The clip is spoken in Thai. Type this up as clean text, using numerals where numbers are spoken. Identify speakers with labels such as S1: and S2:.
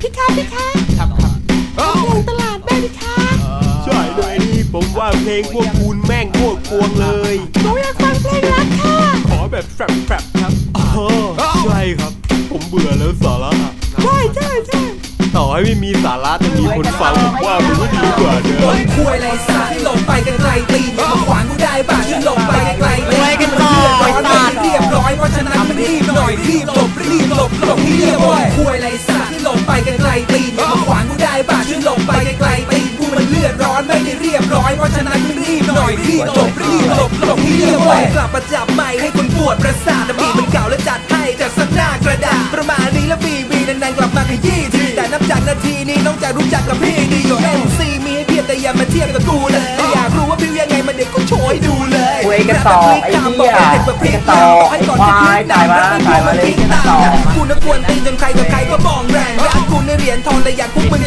S1: พี่คะพี่คะครับเพลงตลาดได้พี่คะ
S2: ใช่เลยนี่ผมว่าเพลงพวกคุณแม่งพวกพวงเลย
S1: หนูอยากฟังเพลงรักค่ะ
S2: ขอแบบแฟบครับใช่ครับผมเบื่อแล้วสาระ
S1: ใช่
S2: ต่อให้ไม่มีสาระแต่มีคนฟังผมว่ามันก็ดีกว่าเนอะ
S3: คุยอะไรสาที่หลบไปกันไกลตีนมาขวางกูได้บ้าที่หลบไปไกลตีนกันต่อไอ้สัตว์เรียบร้อยเพราะฉะนั้นมันรีบหน่อยรีบหลบให้เรียบร้อยคุยอะไรสาที่หลบไปกันไกลตีนมาขวางกูได้บ้าที่หลบไปไกลตีนกูมันเลือดร้อนไม่ได้เรียบร้อยเพราะฉะนั้นมันรีบหน่อยรีบหลบให้เรียบร้อยกลับมาจับไมค์ให้คนปวดประสาทแต่บีมันเก่าและจัดให้จากสักหน้ากระดาษประมาณนี้แล้วบีนานๆกลับมาขยี้ทีแต่นับจากนาทีนี้น้องจะรู้จักกับพี่ดีอยู่ MC มีให้เพียบแต่อย่ามาเทียบกับกูเลยอยากรู้ว่าพี่ยังไงมาเด็กก็โชว์ให้ดูเลย
S4: คุยกันต่อไอ้เหี้ยคุยกันต่อไอ้ควายจ่ายมาเลยกันต่อ
S3: กูนักกวนตีนจนใครกับใครก็มองแรงรักกูในเหรียญทองแต่อยากพวกมึง